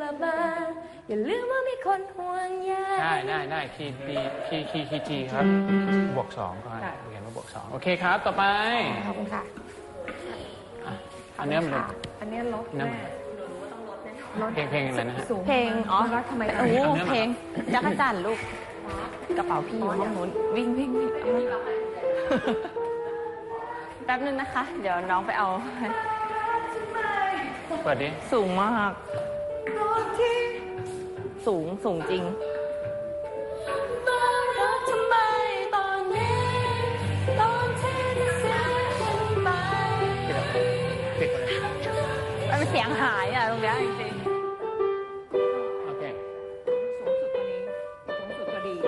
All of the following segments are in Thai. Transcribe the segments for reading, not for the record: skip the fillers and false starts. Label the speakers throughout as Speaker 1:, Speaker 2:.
Speaker 1: บมาอย่าลืมว่ามีคนห่วงใย
Speaker 2: ได้คีย์จีครับบวก2ก่อนเขียนว่าบวก2โอเคครับต่อไป
Speaker 1: ขอบคุณค่ะ
Speaker 2: อันนี้มัน
Speaker 1: อันนี้ลดแม่
Speaker 2: เพลงอะไรนะฮะ
Speaker 1: เพลงแล้วทำไมเพลงจักรจั่นลูกกระเป๋าพี่อยู่ห้องนู้นวิ่งแป๊บนึงนะคะเดี๋ยวน้องไปเอา
Speaker 2: เปิดดิ
Speaker 1: สูงมากสูงจริงมันเสียงหายอ่ะตรงนี้จริง
Speaker 2: ๆโอเค
Speaker 1: สูงสุดตัวนี้สูงสุดพอดี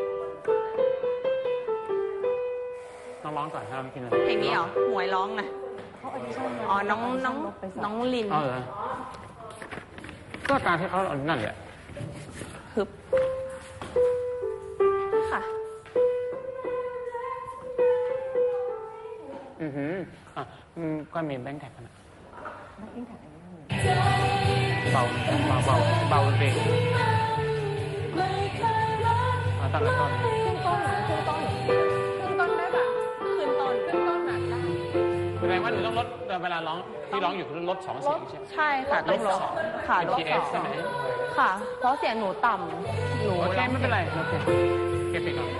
Speaker 2: ร้องก่อนครับ
Speaker 1: เพลงนี้เหรอหมวยร้องนะอ๋อน้องลิน
Speaker 2: เหรอก็การที่เขานั่นแหละ
Speaker 1: ฮึบค่ะ
Speaker 2: ก็มีแบงค์แท็กกันนะเบาเบรกตั้งแต่ต้น
Speaker 1: ขึ้นต้นได้ป่ะขึ้นต้นหนักได้
Speaker 2: แสดงว่าหนูต้องลดเวลาร้องที่ร้องอยู่คือลด2 เสียงใช่ไหม
Speaker 1: ใช่ค่ะต้องลดค่ะลด2
Speaker 2: ใช่ไหม
Speaker 1: ค่ะเพราะเสียงหนูต่ำหนู
Speaker 2: โอเคไม่เป็นไรโอเคเก็บไปก่อน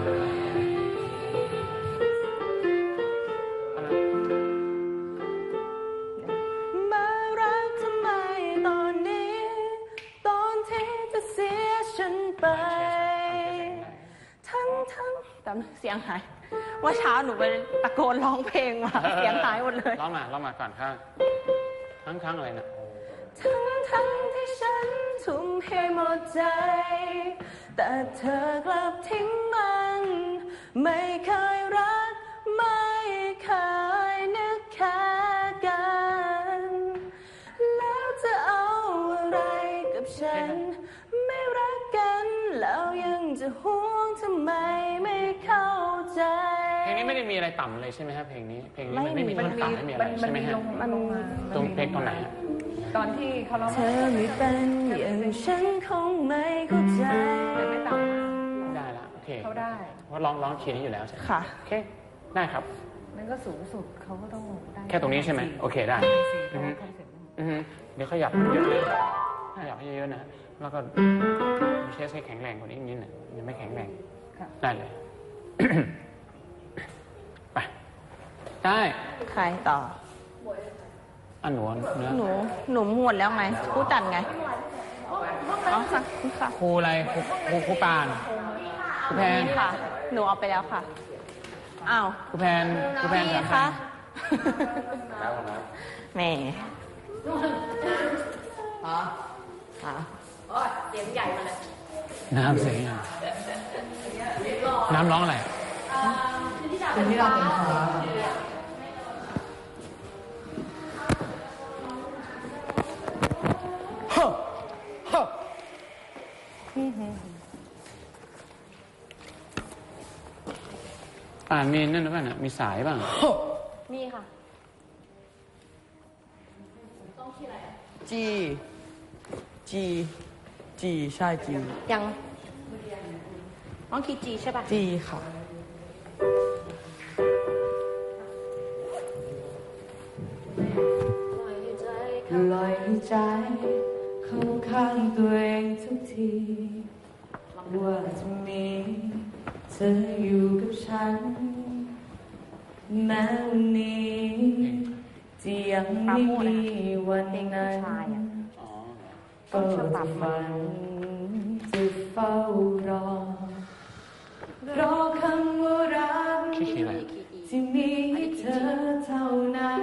Speaker 1: มารักทำไมตอนนี้ตอนที่จะเสียฉันไปทั้งแต่เสียงหายว่าเช้าหนูไปตะโกนร้องเพลงมาเสียงหายหมดเลย
Speaker 2: ร้องมาก่อนข้างทั้งอะไรนะ
Speaker 1: ทั้งที่ฉันทุ่มให้หมดใจแต่เธอกลับทิ้งมันไม่เคยรักไม่เคยนึกแค่กันแล้วจะเอาอะไรกับฉันไม่รักกันแล้วยังจะห่วงทำไมไม่เข้าใจ
Speaker 2: เพลงนี้ไม่ได้มีอะไรต่ำเลยใช่ไหมครับเพลงนี้มันไม่มีท่อนต่ำไม่มีอะไรใช่ไหมฮะตรงเพลงตรงไหน
Speaker 1: ตอนที่เขาร้องเธอไม่เป็นอย่างฉันคงไม่เข้าใจไม่ต่ำ
Speaker 2: ได้ละโอเค
Speaker 1: เขาได้
Speaker 2: เพราะร้องคีย์นี้อยู่แล้วใช่ไหม
Speaker 1: ค่ะ
Speaker 2: โอเคได้ครับ
Speaker 1: นั่นก็สูงสุดเขาก็ต้องได้
Speaker 2: แค่ตรงนี้ใช่ไหมโอเคได้เดี๋ยวขยับเยอะเลยขยับเยอะๆนะแล้วก็เชสให้แข็งแรงกว่านี้นิดหนึ่งยังไม่แข็งแรงได้เลยไปได้
Speaker 1: ใครต่อ
Speaker 2: หนูเนื้อ
Speaker 1: หนูหมดแล้วไงครูจันไงอ๋อค่ะ
Speaker 2: ครูอะไรครูปานครูแพน
Speaker 1: ค่ะหนูเอาไปแล้วค่ะอ้าว
Speaker 2: ครูแพน
Speaker 1: ค่ะแม่เสียงใหญ่มาเลย
Speaker 2: น้ำเสียงน้ำร้องอะไร
Speaker 1: เป็นที่เราเป็นฟ้า
Speaker 2: มีนั่นหรือเปล่านะมีสายบ้าง
Speaker 1: มีค่ะต้องที่อะไร
Speaker 3: จีใช่จี
Speaker 1: ยังต้องคีย์จีใช่ป่ะ
Speaker 3: จีค่ะลอยใจเข้าข้างตัวเองทุกทีว่าจะมีเธออยู่กับฉันแม้วันนี้ที่ยังไม่มีวันนั้นก็จะฝันจะเฝ้ารอคำว่ารักที่มีให้เธอเท่านั้น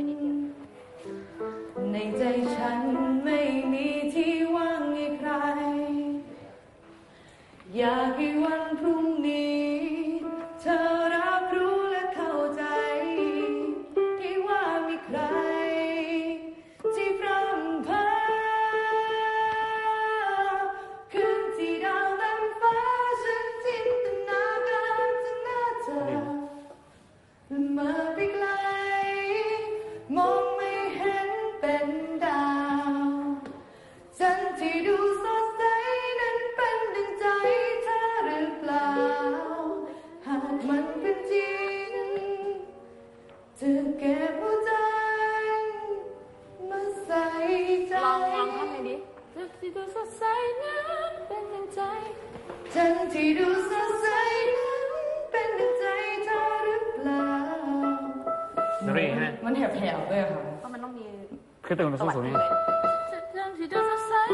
Speaker 3: ในใจฉันไม่มีที่ว่างให้ใครอยากให้วันพรุ่งนี้เธอรับรู้และเข้าใจที่ว่ามีใครที่พร่ำเพ้อคืนที่ดาวเต็มฟ้าฉันจินตนาการถึงหน้าเธอและเมื่อไปไกลมองไม่เห็นเป็นดา
Speaker 1: ดูสดใสนั้นเป็นดังใจ
Speaker 3: จันทร์ที่ดูสดใสนั้นเป็นดังใจเธอหรือเปล่า
Speaker 2: ดนตรีใช่ไหม
Speaker 3: มันแหบๆด้วยค่ะ
Speaker 1: เพราะมันต้องมี
Speaker 2: คือตื่นสูงๆนี่
Speaker 1: จันทร์ที่ดูสดใส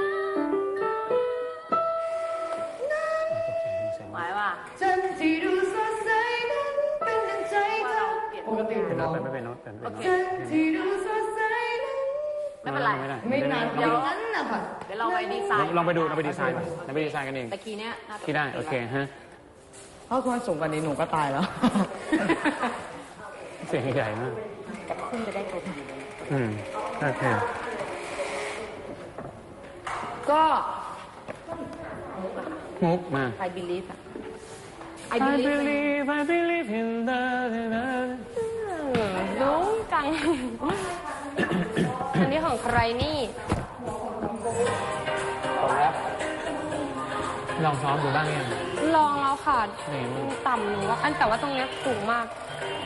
Speaker 1: นั้นหมายว่า
Speaker 3: จันทร์ที่ดูสดใสนั้นเป็นดังใจเธอปกติ
Speaker 2: เป็นโน้ตไม่เป็นโน้ตเป็นโน้ต
Speaker 3: จันทร์ที่ดูสดใสนั้น
Speaker 1: ไม่เป็นไร
Speaker 3: ไม่นานเดี๋ยวนั้นนะคะ
Speaker 1: เดี๋ยวเราไปดีไซน์
Speaker 2: ลองไปดูเราไปดีไซน์เราไปดีไซน์กันเอง
Speaker 1: แต่คีย์เนี้ย
Speaker 2: คีย์ได้โอเคฮะ
Speaker 3: เพราะคนสูงกว่านี้หนูก็ตายแล้ว
Speaker 2: เสียงใหญ่มาก
Speaker 1: แต่ขึ้นจะได้ครบ
Speaker 2: โอเค
Speaker 1: ก็
Speaker 2: มุกมา
Speaker 1: I believe
Speaker 2: I believe in the
Speaker 1: รู้จังอันนี้ของใครนี่
Speaker 2: ลองซ้อมดูบ้างยัง
Speaker 1: ลองแล้วค่ะต่ำหนูว่าอันแต่ว่าตรงนี้สูงมาก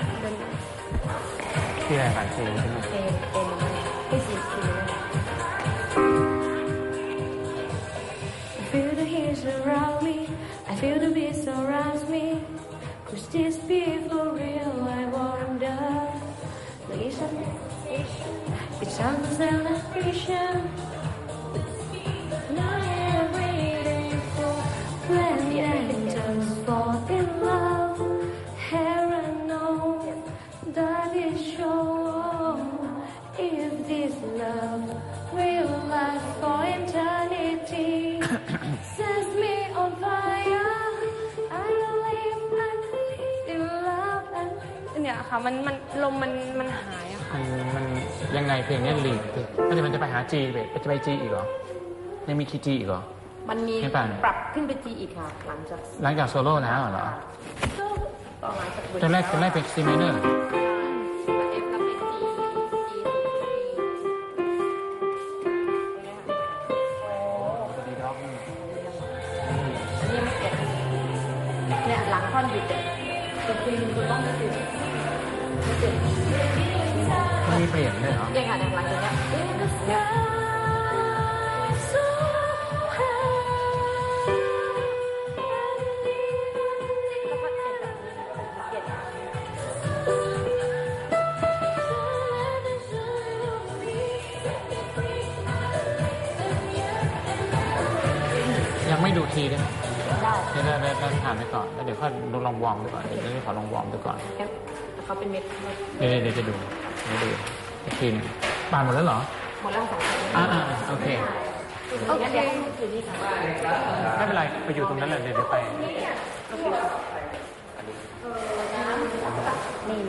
Speaker 2: ที่อะไรกันที่ใช่ไหม
Speaker 1: ที่สี
Speaker 3: I feel the heat around me I feel the beat surrounds me Could this be for real I wonder It's on the celebration Not every day for when angels fall in love Heaven knows that it shows If this love will last for eternity Sets me on fire I believe in love and
Speaker 1: เนี่ยค่ะมันลมมันหายอะค่ะ
Speaker 2: มันยังไงเพลงนี้ลีดมันจะไปหา G จะไป G อีกเหรอยังมีคีย์ G อีกเหรอ
Speaker 1: มันมีปรับขึ้นไป G อีกค่ะหลังจาก
Speaker 2: โซโล่แล้วเหรอตอนแรกเป็น C minor
Speaker 1: เนี่ยหลังท่อนหยุดจริงๆคุณต้องไม่หยุด
Speaker 2: มีเปลี่ยนด้วยเหรอ
Speaker 1: ยังค่ะหลังจากนี้
Speaker 2: ยังไม่ดูทีได้ไหม
Speaker 1: ได้
Speaker 2: ถามไปก่อนแล้วเดี๋ยวค่อยลองวอร์มดูก่อนเดี๋ยวขอลองวอร์มดูก่อน
Speaker 1: เขาเป็นเม็ด
Speaker 2: เดี๋ยวจะดูอีกทีนึงปานหมดแล้วเหรอ
Speaker 1: หมดแล้วสอง
Speaker 2: โอเคไม่เป็นไรไปอยู่ตรงนั้นเลยเดี๋ยวไป
Speaker 1: นี่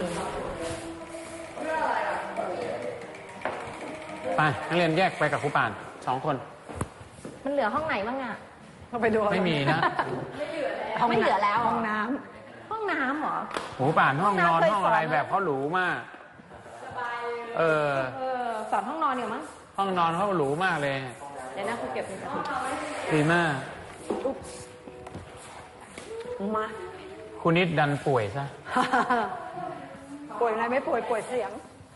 Speaker 2: ไปนักเรียนแยกไปกับครูป่าน2 คน
Speaker 1: มันเหลือห้องไหนบ้างอ่ะ
Speaker 3: ไปดู
Speaker 2: ไม่มีนะ
Speaker 1: ไม่เหลือแล้ว
Speaker 3: ห้องน้
Speaker 1: ำเหรอ
Speaker 2: ครูป่านห้องนอนห้องอะไรแบบเขาหรูมาก
Speaker 1: สอนห้องนอนอยู่มั้ง
Speaker 2: ห้องนอนเขาหรูมากเลย
Speaker 1: เดี๋ยวนะครูเก็บเป็น
Speaker 2: ดีมาก
Speaker 1: มา
Speaker 2: คุณนิดดันป่วยซะ
Speaker 3: ป่วยอะไรไม่ป่วยเสียง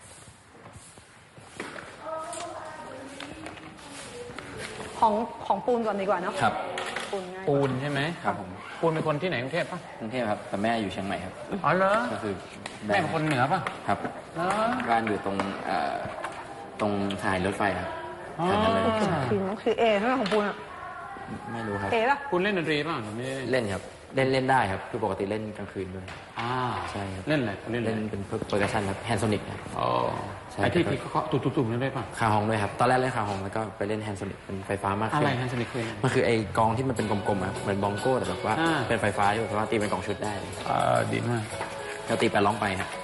Speaker 3: ของปูนก่อนดีกว่าเนาะ
Speaker 4: ครับ
Speaker 2: ปูนใช่ไหม
Speaker 4: ครับผม
Speaker 2: ปูนเป็นคนที่ไหนกรุงเทพปะ
Speaker 4: กรุงเทพครับแต่แม่อยู่เชียงใหม่ครับ
Speaker 2: อ๋อเหรอ
Speaker 4: ก็คือ
Speaker 2: แม่เป็นคนเหนือปะ
Speaker 4: ครับบ้านอยู่ตรงสถานีรถไฟครับ
Speaker 3: คือเอใช่ไหมของปูนอ่ะ
Speaker 4: ไม่รู้ครับ
Speaker 3: เอป่ะ
Speaker 2: คุณเล่นดนตรีป่ะไม่
Speaker 4: เล่นครับเล่นได้ครับคือปกติเล่นกลางคืนด้วยใช่
Speaker 2: เล่นอะไร
Speaker 4: เล่นเป็นเพอร์คัชชั่นครับแฮนด์โซนิกครับ
Speaker 2: ไอ้ที่เคาะตุ่มๆนั่นได้ป่ะ
Speaker 4: คาฮองด้วยครับตอนแรกเล่นคาฮองแล้วก็ไปเล่นแฮนด์โซนิกเป็นไฟฟ้ามากขึ้น
Speaker 2: อะไรแฮนด์โซนิกคือ
Speaker 4: มันคือไอ้กองที่มันเป็นกลมๆครับเหมือนบองโก้แต่แบบว่าเป็นไฟฟ้าอยู่แต่ว่าตีเป็นกองชุดได้
Speaker 2: ดีมาก
Speaker 4: เราตีไปร้องไปครับ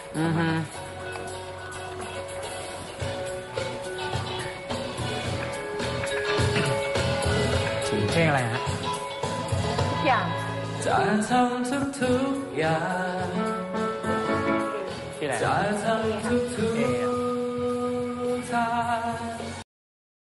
Speaker 2: เพลงอะไรฮะ
Speaker 1: ทุกอย่าง
Speaker 4: จะทำทุกอย่างจะทำทุก